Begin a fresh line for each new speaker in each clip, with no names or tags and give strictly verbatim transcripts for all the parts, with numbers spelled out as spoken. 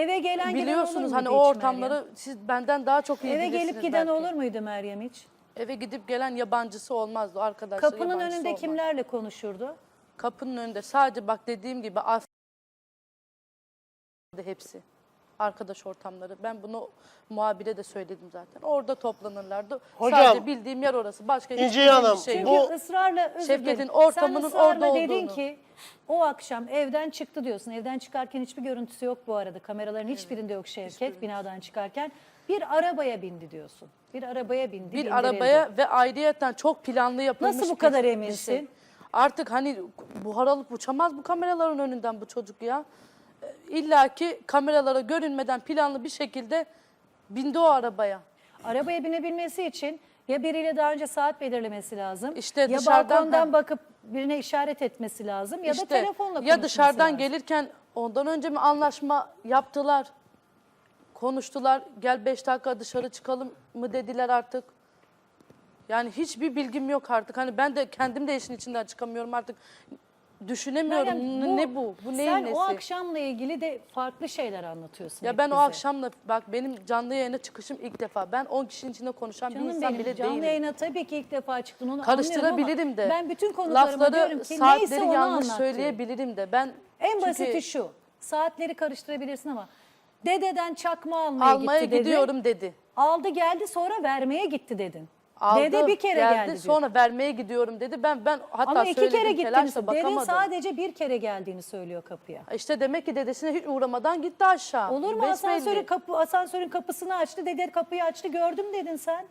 Eve gelen
biliyorsunuz
giden olur
hani
muydu
o
hiç
ortamları
Meryem?
siz benden daha çok iyi
Eve
bilirsiniz
gelip giden
belki.
olur muydu Meryem hiç?
Eve gidip gelen yabancısı olmazdı arkadaşlar.
Kapının
yabancısı
önünde
olmaz.
kimlerle konuşurdu?
Kapının önünde sadece bak dediğim gibi af hepsi. Arkadaş ortamları. Ben bunu muhabire de söyledim zaten. Orada toplanırlardı.
Hocam,
sadece bildiğim yer orası. Başka hiçbir
İnci Hanım,
bir şey
Çünkü
yok.
Bu-
ısrarla özür
Şevket'in
dilerim.
ortamının
Sen ısrarla
orada
dedin
olduğunu.
ki o akşam evden çıktı diyorsun. Evden çıkarken hiçbir görüntüsü yok bu arada. Kameraların hiçbirinde yok Şevket binadan çıkarken. Bir arabaya bindi diyorsun. Bir arabaya bindi.
Bir
bindirildi.
arabaya ve ayrıyeten çok planlı yapılmış
Nasıl bu
bir-
kadar
bir
eminsin?
şey. Artık hani buhar alıp uçamaz bu kameraların önünden bu çocuk ya. İlla ki kameralara görünmeden planlı bir şekilde bindi o arabaya.
Arabaya binebilmesi için ya biriyle daha önce saat belirlemesi lazım.
İşte
ya
dışarıdan-
balkondan
ha.
bakıp birine işaret etmesi lazım ya da telefonla konuşması
ya dışarıdan
lazım.
gelirken ondan önce mi anlaşma yaptılar? Konuştular. Gel beş dakika dışarı çıkalım mı dediler artık. Yani hiçbir bilgim yok artık. Hani ben de kendim de işin içinden çıkamıyorum artık. Düşünemiyorum.
Meryem,
ne bu? Bu neyin
sen
nesi?
o akşamla ilgili de farklı şeyler anlatıyorsun.
Ya
hep
ben o
bize.
akşamla bak benim canlı yayına çıkışım ilk defa. Ben on kişinin içinde konuşan
Canım
bir insan
benim
bile
canlı
değilim.
yayına tabii ki ilk defa çıktın onu
Karıştırabilirim
anlıyorum
de.
ama ben bütün konuklarıma diyorum
Lafları,
ki neyse
saatleri
onu
yanlış
anlat
söyleyebilirim de. Ben
En
çünkü
basiti şu. Saatleri karıştırabilirsin ama dededen çakma almaya,
almaya
gitti dedin.
gidiyorum dedi.
Aldı geldi sonra vermeye gitti dedin.
Aldı,
Dede bir kere
geldi,
geldi diyor.
sonra vermeye gidiyorum dedi. Ben ben hatta
Ama iki
söyledim,
kere gittiniz.
telaşla
Dede
bakamadım.
sadece bir kere geldiğini söylüyor kapıya.
İşte demek ki dedesine hiç uğramadan gitti aşağı.
Olur mu?
Besbelli.
Asansörün, kapı, asansörün kapısını açtı. Dede kapıyı açtı gördüm dedin sen.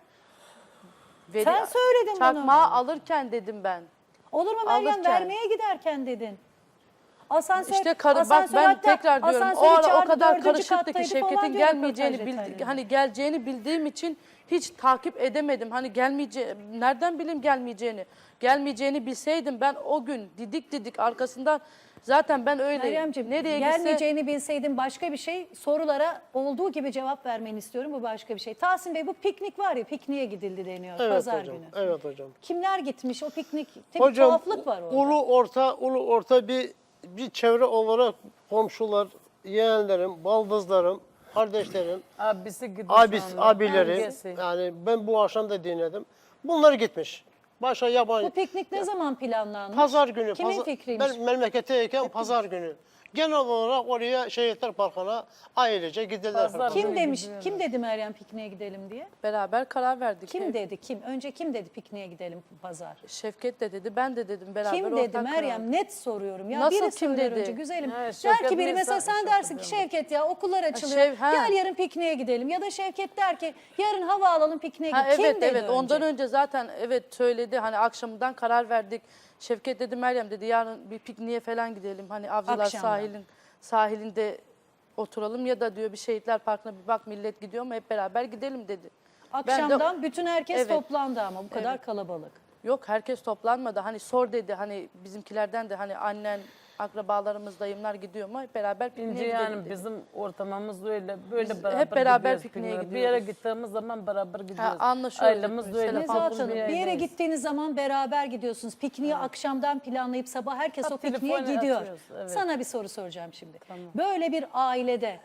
Veri-
Sen söyledin bunu.
Çakmağı alırken dedim ben.
Olur mu Meryem
Alırken.
vermeye giderken dedin. Asansör,
İşte karı, bak
asansör
ben
hatta
tekrar diyorum o
asansörü
ara o
çağırdı,
kadar
dördüncü
karışıktı ki
kattaydı falan
Şevket'in
diyor
gelmeyeceğini
röportaj
bildi,
detaylarında.
hani geleceğini bildiğim için hiç takip edemedim. Hani gelmeyeceği nereden bileyim gelmeyeceğini. Gelmeyeceğini bilseydim ben o gün didik didik arkasından zaten ben öyle
Meryemciğim
nereye gitse
gelmeyeceğini bilseydin başka bir şey, sorulara olduğu gibi cevap vermeni istiyorum, bu başka bir şey. Tahsin Bey, bu piknik var ya, pikniğe gidildi deniyor
Evet
pazar
hocam.
günü.
Evet hocam.
Kimler gitmiş o piknik? Tabii
Hocam
tuhaflık var orada.
ulu orta ulu orta bir bir çevre olarak komşular, yeğenlerim, baldızlarım, kardeşlerim,
Abisi gidiyor
abis,
şu anda.
abilerim.
Abisi.
Yani ben bu akşam da dinledim. Bunlar gitmiş. Başka yabancı.
Bu piknik ne zaman planlanmış?
Pazar günü.
Kimin
pazar,
fikriymiş?
Ben memleketteyken pazar günü. Genel olarak oraya Şehitler Parkı'na ailece gidiler.
Pazar
Kim
günü
demiş?
gidiyorlar.
Kim dedi Meryem pikniğe gidelim diye?
beraber karar verdik.
Kim
Ev-
dedi? Kim? Önce kim dedi pikniğe gidelim pazar?
Şevket de dedi, ben de dedim beraber
Kim
ortak
dedi
karar.
Meryem? Net soruyorum. Ya
Nasıl
biri
kim
söyler
dedi?
önce güzelim.
Evet,
Der
Şevket
ki biri
neyse,
mesela sen
Şevket
dersin ki
diyorum.
Şevket ya okullar açılıyor.
Şev- ha.
Gel yarın pikniğe gidelim. Ya da Şevket der ki yarın hava alalım pikniğe
Ha,
gidelim. Kim
evet
dedi
evet
önce?
ondan önce zaten evet söyledi hani akşamından karar verdik. Şevket dedi Meryem dedi yarın bir pikniğe falan gidelim. Hani Avcılar
Akşamdan.
sahilin sahilinde oturalım ya da diyor bir Şehitler Parkı'na bir bak millet gidiyor mu hep beraber gidelim dedi. Ben de-
Akşamdan bütün herkes
Evet.
toplandı ama bu kadar
Evet.
kalabalık.
Yok herkes toplanmadı. Hani sor dedi hani bizimkilerden de hani annen, akrabalarımız, dayımlar gidiyor mu hep beraber pikniğe
İnce
gidelim
yani
dedi.
bizim ortamımız da öyle. Böyle
Biz
beraber
hep beraber
gidiyoruz
pikniğe
pikniğe. Bir yere
gidiyoruz.
gittiğimiz zaman beraber gidiyoruz.
anlaşıyoruz
Ailemiz de
hepimiz,
öyle.
telefon
Nezahat
farklı
Hanım bir yere
yerdeyiz.
gittiğiniz zaman beraber gidiyorsunuz. Pikniği akşamdan planlayıp sabah herkes
Ha,
o pikniğe
telefonu
gidiyor.
açıyoruz, evet.
Sana bir soru soracağım şimdi. Böyle bir ailede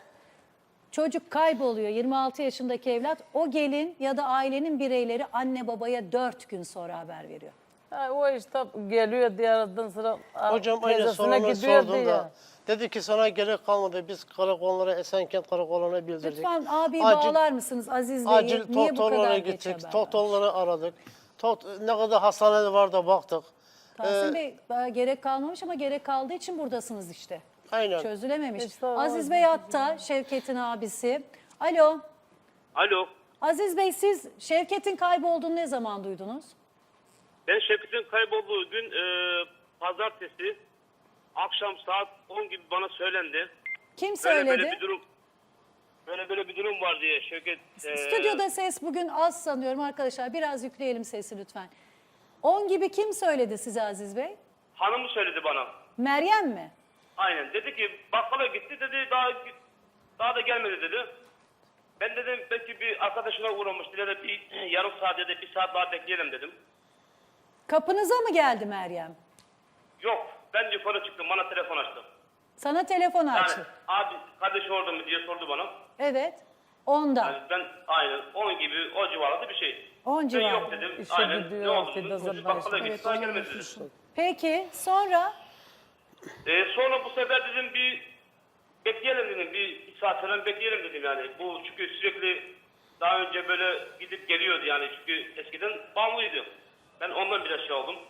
çocuk kayboluyor, yirmi altı yaşındaki evlat, o gelin ya da ailenin bireyleri anne babaya dört gün sonra haber veriyor.
Ha, o işte geliyor diğerden sonra
Hocam aynı
teyzesine
sorunu
gidiyor
sordum
diye.
da. Dedi ki sana gerek kalmadı. Biz karakollara, Esenkent karakoluna bildirdik.
Lütfen abi
Acil-
bağlar mısınız Aziz Bey'i?
Acil
Niye bu kadar
doktorlara
geç
gittik.
haber var?
Doktorları aradık. Tot, ne kadar hastane var da baktık.
Tahsin
Ee,
Bey daha gerek kalmamış ama gerek kaldığı için buradasınız işte.
Aynen.
Çözülememiş.
İşte o-
Aziz Bey hatta Şevket'in abisi. Alo.
Alo.
Aziz Bey siz Şevket'in kaybolduğunu ne zaman duydunuz?
Ben Şevket'in kaybolduğu gün e, pazartesi akşam saat on gibi bana söylendi.
Kim
Böyle
söyledi?
böyle bir durum böyle böyle bir durum var diye Şevket. e,
Stüdyoda ses bugün az sanıyorum arkadaşlar. Biraz yükleyelim sesi lütfen. on gibi kim söyledi size Aziz Bey?
hanımı söyledi bana.
Meryem mi?
Aynen. Dedi ki bakkala gitti dedi daha daha da gelmedi dedi. Ben dedim belki bir arkadaşına uğramıştı ya da bir yarım saat ya da bir saat daha bekleyelim dedim.
Kapınıza mı geldi Meryem?
Yok ben yukarı çıktım bana telefon açtı.
Sana telefon
Yani
açtı.
abi kardeş orada mı diye sordu bana.
Evet. Onda.
Yani ben aynen on gibi o civarında bir şey.
On
Ben
civarında.
yok dedim.
İşe
aynen.
gidiyor,
Ne oldu
afiyet
dedim.
olsun.
Çocuk bakkala gitti.
Evet,
Daha
onu
gelmedi dedi.
unutmuşum.
Peki sonra
Ee, sonra bu sefer dedim bir bekleyelim dedim. Bir, bir saat falan bekleyelim dedim yani. Bu çünkü sürekli daha önce böyle gidip geliyordu yani. Çünkü eskiden bağımlıydı. Ben ondan biraz şey oldum.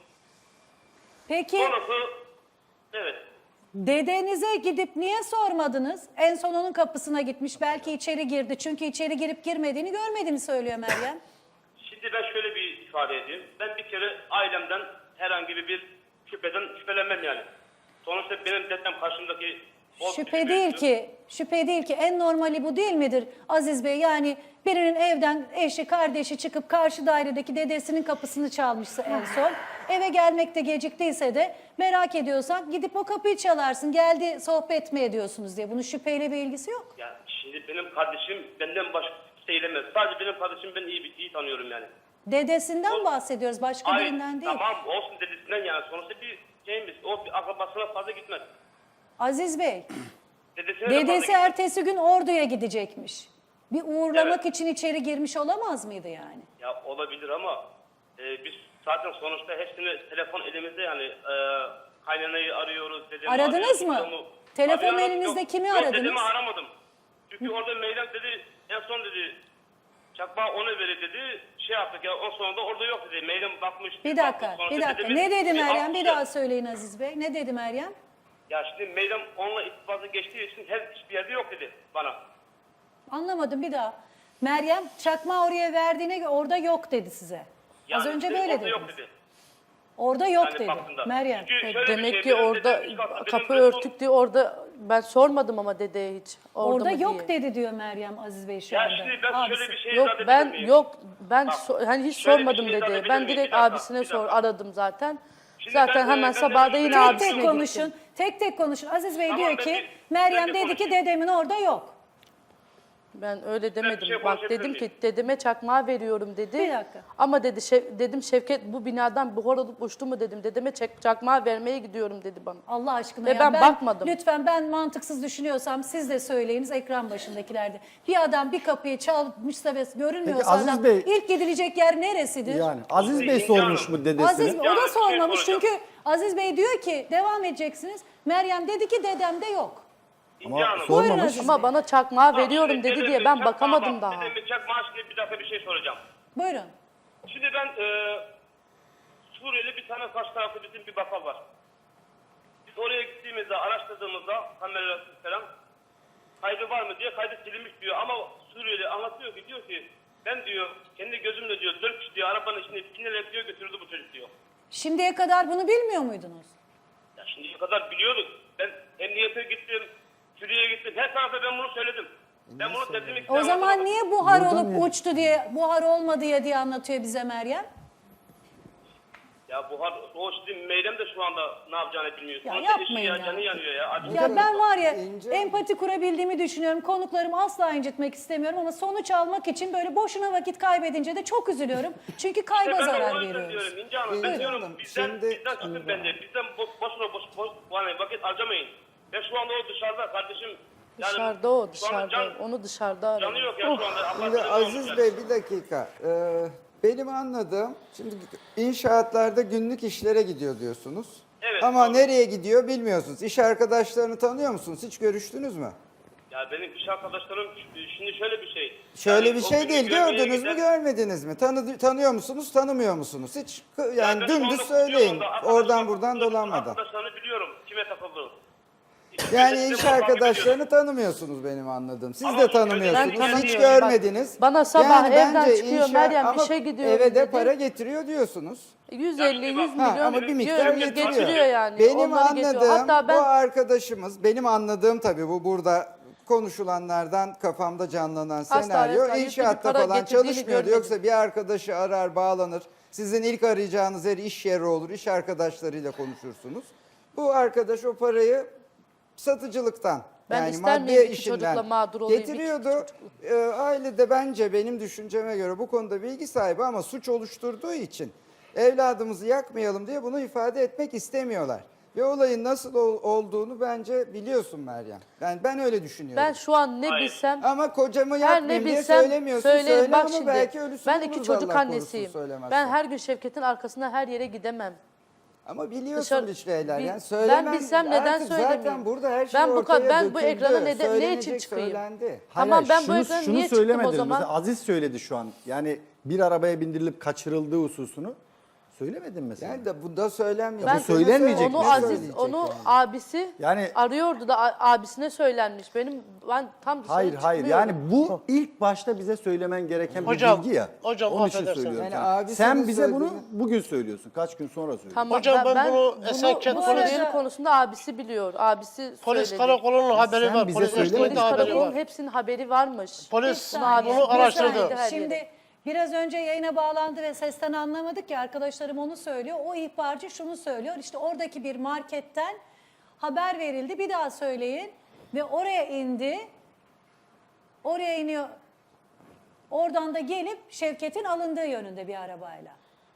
peki
Sonrası evet.
dedenize gidip niye sormadınız? En son onun kapısına gitmiş. Belki içeri girdi. Çünkü içeri girip girmediğini görmediğini söylüyor Meryem.
Şimdi ben şöyle bir ifade edeyim. Ben bir kere ailemden herhangi bir şüpheden şüphelenmem yani. Sonuçta benim dedem karşımdaki o
Şüphe değil ki, şüphe değil ki en normali bu değil midir Aziz Bey? Yani birinin evden eşi, kardeşi çıkıp karşı dairedeki dedesinin kapısını çalmışsa en son. Eve gelmekte geciktiyse de merak ediyorsan gidip o kapıyı çalarsın. Geldi sohbet mi ediyorsunuz diye. Bunun şüpheyle bir ilgisi yok.
Ya şimdi benim kardeşim benden başka kimse eylemez. Sadece benim kardeşim ben iyi iyi tanıyorum yani.
Dedesinden bahsediyoruz, başka
Ay,
birinden değil.
tamam olsun dedesinden yani. Sonuçta bir şeyimiz. O bir akrabasına fazla gitmez.
Aziz Bey,
Dedesine de fazla
dedesi
gitmez.
ertesi gün Ordu'ya gidecekmiş. Bir uğurlamak
Evet.
için içeri girmiş olamaz mıydı yani?
Ya olabilir ama e, biz zaten sonuçta hepsini telefon elimizde yani e, kaynanayı arıyoruz. Dedemi
Aradınız
arıyoruz,
mı?
adamı-
Telefon
Arıyoruz.
elinizde
Yok,
kimi
yok,
aradınız?
Dedemi aramadım. Çünkü orada Meyrem dedi en son dedi çakmağı ona verir dedi. Şey yaptık ya on sonunda orada yok dedi. Meyrem bakmış.
Bir
bakmış,
dakika,
sonuçta
bir dakika.
dedemiz-
Ne dedi
bir
Meryem?
bakmış
Bir
ya.
daha söyleyin Aziz Bey. Ne dedi Meryem?
Ya şimdi Meyrem onunla irtibatı geçtiği için her hiçbir yerde yok dedi bana.
Anlamadım bir daha. Meryem çakma oraya verdiğine göre orada yok dedi size. Az
Yani
önce
dedi,
böyle
orada
dediniz.
yok dedi.
Orada yok
Yani
dedi.
baktığında.
Meryem.
Çünkü
E,
şöyle bir
Demek
şey,
ki
benim
orada
dedem üst katta, benim
kapı
beton-
örtük diye orada ben sormadım ama dedeye hiç. Orada,
Orada
mı
yok
diye.
dedi diyor Meryem Aziz Bey şu
Ya
anda.
şimdi ben
Abisi.
şöyle bir şey
Yok
izah edebilir
ben
miyim?
yok ben
Bak,
so- hani hiç
şöyle bir
sormadım
şey izah
dedeye.
edebilir
Ben
miyim?
direkt
Bir dakika,
abisine
bir
sor
dakika.
aradım zaten.
Şimdi
Zaten
ben, e,
hemen
ben de
sabahda
şöyle-
yine
Tek
abisine
tek
gittim.
konuşun. Tek tek konuşun. Aziz Bey
Tamam,
diyor
ben
ki
bir-
Meryem
ben de
dedi ki
konuşayım.
dedemin orada yok.
Ben öyle demedim.
şey
Bak
konuşabilir
dedim
miyim?
ki dedeme çakmağı veriyorum dedi.
Bir dakika.
Ama dedi Şev- dedim Şevket bu binadan buhar olup uçtu mu dedim. Dedeme çak- çakmağı vermeye gidiyorum dedi bana.
Allah aşkına
Ve
ya.
ben bakmadım.
Lütfen ben mantıksız düşünüyorsam siz de söyleyiniz ekran başındakilerde. Bir adam bir kapıyı çalmışsa ve görünmüyorsa
Peki Aziz
adam
Bey-
ilk gidilecek yer neresidir?
Yani Aziz Bey
İnce
sormuş
Hanım.
mu dedesine?
Aziz Bey, o
Yani
da
bir şey
sormamış
soracağım.
çünkü Aziz Bey diyor ki devam edeceksiniz. Meryem dedi ki dedemde yok.
İnce
Ama
Hanım.
sor-
Buyurun
Sormamış.
Aziz
Ama
Bey.
bana çakmağı
Bak,
veriyorum
şimdi
dedi
dedemin
diye ben
çakmağı-
bakamadım
bak,
daha.
Dedemin çakmağı şimdi bir dakika bir şey soracağım.
Buyurun.
Şimdi ben e, Suriyeli bir tane karşı tarafta bizim bir bakkal var. Biz oraya gittiğimizde, araştırdığımızda kameralar falan kaydı var mı diye kaydı silinmiş diyor. Ama Suriyeli anlatıyor ki diyor ki ben diyor kendi gözümle diyor dört kişi diyor arabanın içine binerek diyor götürdü bu çocuk diyor.
Şimdiye kadar bunu bilmiyor muydunuz?
Ya şimdiye kadar biliyorduk. Ben emniyete gittim, Suriye'ye gittim. Her tarafta ben bunu söyledim. Ben bunu teslim
O zaman niye buhar
Buradan
olup
niye?
uçtu diye, buhar olmadı diye diye anlatıyor bize Meryem?
Ya buhar, o şimdi Meyrem de şu anda ne yapacağını bilmiyor.
Ya
Sonuçta eşi
yapmayın
ya,
ya.
canı yanıyor ya. Acı
Ya ben var ya
İnce-
empati kurabildiğimi düşünüyorum. Konuklarımı asla incitmek istemiyorum ama sonuç almak için böyle boşuna vakit kaybedince de çok üzülüyorum. Çünkü kayba
ben de
zarar
o yüzden
veriyoruz.
diyorum İnce Hanım. Ben
İnce
diyorum
Hanım,
bizden,
şimdi-
bizden çıkın bence. Bizden boş, boşuna boş, boş, yani vakit harcamayın. Ben şu anda o dışarıda kardeşim. Yani
Dışarıda o
şu anda
dışarıda.
Can,
Onu dışarıda aradım.
canı yok ya şu anda. Allah
Şimdi
canı
Aziz
olmuş
Bey
yani.
bir dakika. Ee, benim anladığım, şimdi inşaatlarda günlük işlere gidiyor diyorsunuz.
Evet,
Ama
doğru.
nereye gidiyor bilmiyorsunuz. İş arkadaşlarını tanıyor musunuz? Hiç görüştünüz mü?
Ya benim iş arkadaşlarım şimdi şöyle bir şey.
Şöyle
Yani
bir
o
şey
günü
değil.
görmeye
Gördünüz mü,
giden-
görmediniz mi? Tanı, tanıyor musunuz, tanımıyor musunuz? Hiç kı- yani
ben şu
dümdüz
anda
söyleyin.
biliyorum da arkadaşlarım-
Oradan buradan dolanmadan.
Arkadaşlarını biliyorum. Kime takıldığını.
Yani
Sizi
iş
takip ediyorum.
arkadaşlarını tanımıyorsunuz benim anladığım. Siz
Ama
de
bu köyde
tanımıyorsunuz.
ben
Hiç
tanımıyorum.
görmediniz.
Bana sabah evden
bence
çıkıyor,
inşa-
Meryem
ama
işe gidiyor
eve de
dedi.
para getiriyor diyorsunuz.
yüz elli yüz
Ha,
milyon
ama bir miktar
diyor,
getiriyor.
getiriyor yani.
Benim
Onları getiriyor.
anladığım
Hatta ben
bu arkadaşımız, benim anladığım tabii bu burada konuşulanlardan kafamda canlanan
Asla
senaryo
asla yüklü bir
inşaatta
para
falan
getirdiğini
çalışmıyordu.
görmedim.
Yoksa bir arkadaşı arar bağlanır. Sizin ilk arayacağınız yer iş yeri olur. İş arkadaşlarıyla konuşursunuz. Bu arkadaş o parayı satıcılıktan
Ben
yani
ister
maddi
miyim iki
işinden
çocukla mağdur olayım, iki
getiriyordu. Ee, aile de bence benim düşünceme göre bu konuda bilgi sahibi ama suç oluşturduğu için evladımızı yakmayalım diye bunu ifade etmek istemiyorlar. Ve olayın nasıl ol- olduğunu bence biliyorsun Meryem. Ben ben öyle düşünüyorum.
Ben şu an ne
Hayır.
bilsem
Ama kocamı
her
yapmayayım
ne
diye
bilsem
söylemiyorsun.
söylerim.
Söyle
Bak
ama
şimdi
belki ölüsünü
ben iki
buluruz,
çocuk
Allah korusun,
annesiyim.
söylemezsen.
Ben her gün Şevket'in arkasında her yere gidemem.
Ama biliyorsun
Dışarı-
bir şeyler.
Bil-
Yani söylemem,
ben bilsem neden
artık
söylemeyeyim?
Zaten burada her şey
Ben bu
ortaya
kad- ben bu
döküldü.
ekrana neden- ne için
Söylenecek,
çıkayım?
Söylendi.
Tamam, ben bu
şunu,
ekrana
şunu
niye çıktım o
söylemediniz.
zaman?
Mesela Aziz söyledi şu an. Yani bir arabaya bindirilip kaçırıldığı hususunu söylemedin mesela.
Yani de bu da söylenmeyecek.
Ben
bu söylenmeyecek
onu
mi?
Aziz,
söyleyecek
onu
yani?
abisi
Yani-
arıyordu da a- abisine söylenmiş. Benim ben tam dışarı
Hayır hayır
çıkmıyorum.
yani bu ilk başta bize söylemen gereken
Hocam,
bir bilgi ya.
hocam,
Onun için
affedersin.
söylüyorum.
Yani
sana.
abisi
Sen
bu
bize bunu
söylediğini-
bugün söylüyorsun. Kaç gün sonra söylüyorsun.
Tamam,
Hocam, ben bunu Esenkent
bu
polis-
Suriyeli konusunda abisi biliyor. Abisi
Polis
söyledi.
karakolunun haberi
Sen
var.
bize
Polis
söylemedin.
eşliğinde
Polis
haberi
karakolunun
var.
hepsinin haberi varmış.
Polis
Bir saniye,
bunu
bir
araştırdı.
saniye.
Her
Şimdi
yere.
biraz önce yayına bağlandı ve sesten anlamadık ya, arkadaşlarım onu söylüyor. O ihbarcı şunu söylüyor. İşte oradaki bir marketten haber verildi. Bir daha söyleyin. Ve oraya indi. Oraya iniyor. Oradan da gelip Şevket'in alındığı yönünde bir arabayla.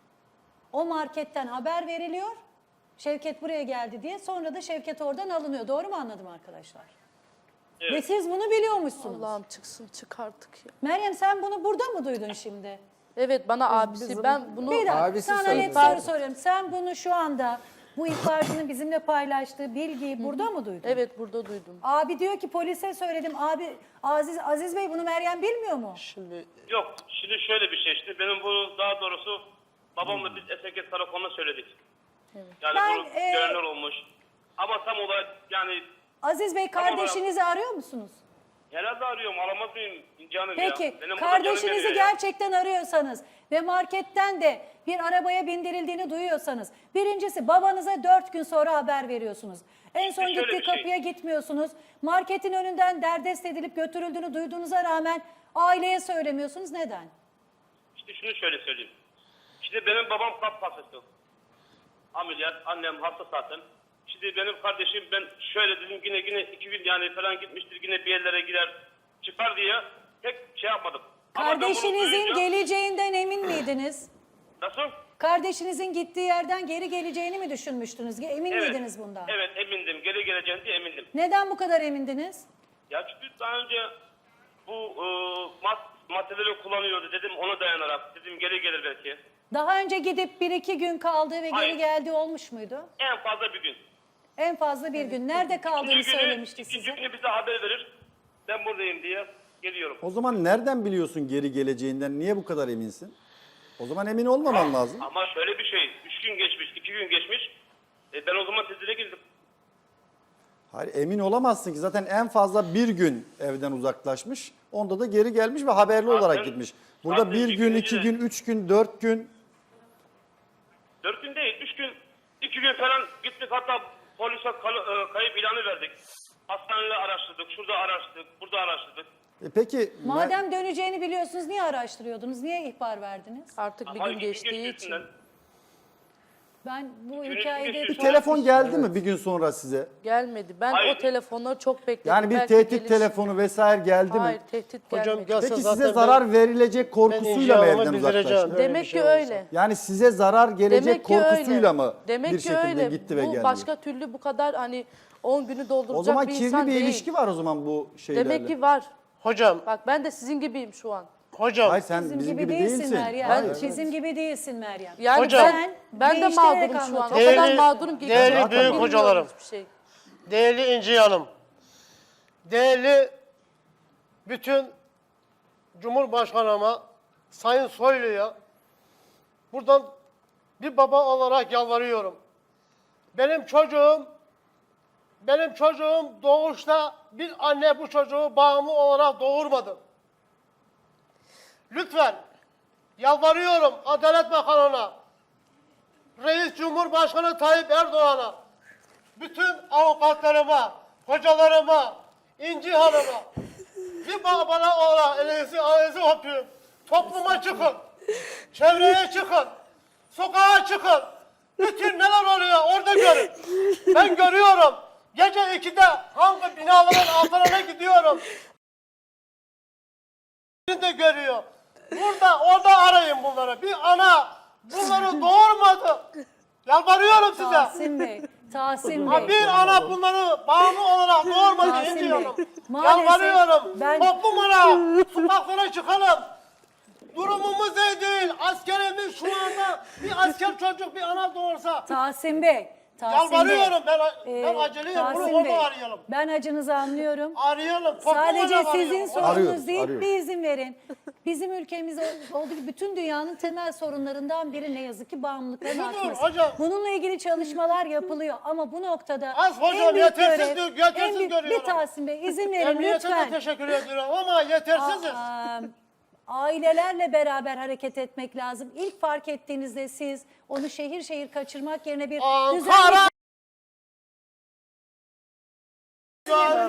O marketten haber veriliyor. Şevket buraya geldi diye. Sonra da Şevket oradan alınıyor. Doğru mu anladım arkadaşlar?
Evet.
Ve siz bunu biliyormuşsunuz.
Allah'ım çıksın çık artık ya.
Meryem, sen bunu burada mı duydun şimdi?
Evet, bana abisi ben bunu
Bir dakika,
Abisi
sana
söyledi.
net soru soruyorum. Sen bunu şu anda bu ihbarcının bizimle paylaştığı bilgiyi burada mı duydun?
evet burada duydum.
Abi diyor ki polise söyledim. Abi Aziz Aziz Bey bunu Meryem bilmiyor mu?
Şimdi
Yok, şimdi şöyle bir şey işte. Benim bunu daha doğrusu babamla biz Esenket Karakolu'na söyledik. Yani
Ben,
bunu
e,
görenler olmuş. Ama tam olarak yani
Aziz Bey,
Tamam,
kardeşinizi arıyor musunuz?
herhalde arıyorum, aramaz mıyım canım
Peki
ya. Benim burada canım
kardeşinizi
yanıyor ya.
gerçekten arıyorsanız ve marketten de bir arabaya bindirildiğini duyuyorsanız, birincisi babanıza dört gün sonra haber veriyorsunuz. En son
şöyle
gittiği
bir şey.
kapıya gitmiyorsunuz. Marketin önünden derdest edilip götürüldüğünü duyduğunuza rağmen aileye söylemiyorsunuz. Neden?
İşte şunu şöyle söyleyeyim. İşte benim babam kalp hastası. Ameliyat, annem hasta zaten. Şimdi benim kardeşim, ben şöyle dedim, yine yine iki gün yani falan gitmiştir, yine bir yerlere girer çıkar diye pek şey yapmadım. Ama ben bunu
Kardeşinizin
duyunca-
geleceğinden emin miydiniz?
Nasıl?
Kardeşinizin gittiği yerden geri geleceğini mi düşünmüştünüz? Emin
Evet.
miydiniz bundan?
Evet, emindim. Geri geleceğini diye emindim.
Neden bu kadar emindiniz?
Ya çünkü daha önce bu e, mad maddeleri kullanıyordu dedim, ona dayanarak dedim geri gelir belki.
Daha önce gidip bir iki gün kaldığı ve
Hayır.
geri geldiği olmuş muydu?
En fazla bir gün.
En fazla bir gün. Nerede kaldığını
İkinci günü,
söylemişti
ikinci
size.
günü bize haber verir. Ben buradayım diye geliyorum.
O zaman nereden biliyorsun geri geleceğinden? Niye bu kadar eminsin? O zaman emin olmaman lazım.
Ama şöyle bir şey, üç gün geçmiş, iki gün geçmiş. E, ben o zaman tedbire girdim.
Hayır, emin olamazsın ki. Zaten en fazla bir gün evden uzaklaşmış. Onda da geri gelmiş ve haberli
Zaten-
olarak gitmiş. Burada
zaten
bir
iki
gün,
gün
iki
önce-
gün, üç gün, dört gün.
Dört gün değil, üç gün, iki gün falan gittik. Hatta polise kal- e, kayıp ilanı verdik. Hastaneyle araştırdık, şurada araştırdık, burada araştırdık.
E peki
Madem döneceğini biliyorsunuz niye araştırıyordunuz? Niye ihbar verdiniz?
Artık bir
Ama
gün
iki gün
geçtiği için.
geçmesinden-
Ben bu
Gün
hikayede
geçmiş.
bir
çok-
telefon geldi mi bir gün sonra size?
Gelmedi. Ben
Hayır.
o telefonları çok bekledim.
Yani bir
Belki
tehdit
gelir.
telefonu vesaire geldi
Hayır,
mi?
tehdit
Hocam
gelmedi.
gelse
Peki
zaten
size
ben-
zarar verilecek
ben
korkusuyla mı
icabımı
evden
bildireceğim.
uzaklaştı?
Böyle bir
Demek
şey
ki
olursa.
öyle.
Yani size zarar gelecek
Demek ki
korkusuyla
öyle.
mı
Demek
bir
ki
şekilde
öyle.
gitti ve
bu
geldi?
başka türlü bu kadar hani on günü dolduracak
O zaman
bir
kirli
insan
bir
değil.
ilişki var o zaman bu şeylerle.
Demek ki var.
Hocam,
Bak ben de sizin gibiyim şu an.
hocam.
Hayır sen
Bizim,
bizim,
gibi, değilsin,
değilsin.
Meryem.
Hayır.
Bizim gibi değilsin Meryem.
Yani
Hocam.
ben, ben de
değiştirerek
mağdurum şu an. O
anlatıyorsun.
kadar
Değerli-
mağdurum ki.
değerli
Zaten
büyük
bilmiyorum
hocalarım.
hiçbir şey.
Değerli İnci Hanım, değerli bütün Cumhurbaşkanıma, Sayın Soylu'ya buradan bir baba olarak yalvarıyorum. Benim çocuğum, benim çocuğum doğuşta bir anne bu çocuğu bağımlı olarak doğurmadı. Lütfen yalvarıyorum Adalet Bakanı'na, Reis Cumhurbaşkanı Tayyip Erdoğan'a, bütün avukatlarıma, hocalarıma, İnci Hanım'a, bir bana olarak elinizi ayağınızı öpüyorum. Topluma çıkın, çevreye çıkın, sokağa çıkın. Bütün neler oluyor orada görün. Ben görüyorum. Gece ikide hangi binaların altlarına gidiyorum. de görüyor. Burada, orada arayın bunları. Bir ana bunları doğurmadı. Yalvarıyorum size.
Tahsin Bey, Tahsin Bey.
Ha bir ana bunları bağımlı olarak doğurmadı
Tahsin Bey,
diyorum.
maalesef
Yalvarıyorum.
ben-
Toplum olarak sokaklara çıkalım. Durumumuz iyi değil. Askerimiz şu anda bir asker çocuk bir ana doğursa.
Tahsin Bey. Tahsin
Yalvarıyorum ben,
Bey,
ben
e,
aceleyim. Bunu
Tahsin
orada
Bey,
arayalım.
Ben acınızı anlıyorum.
Arayalım. Toplum
Sadece
olarak
sizin
arayalım.
sorunuz
Arıyoruz,
değil,
arıyoruz.
bir izin verin. Bizim ülkemizde olduğu gibi bütün dünyanın temel sorunlarından biri ne yazık ki bağımlılıkların
Budur
artması.
hocam.
Bununla ilgili çalışmalar yapılıyor ama bu noktada
Az hocam,
en büyük
yetersiz
görev,
diyor, yetersiz
en büyük,
görüyorum.
bir Tahsin Bey izin verin
Emniyete de
lütfen.
teşekkür ediyorum ama yetersiziz.
Aa, ailelerle beraber hareket etmek lazım. İlk fark ettiğinizde siz onu şehir şehir kaçırmak yerine bir
Ankara
düzenli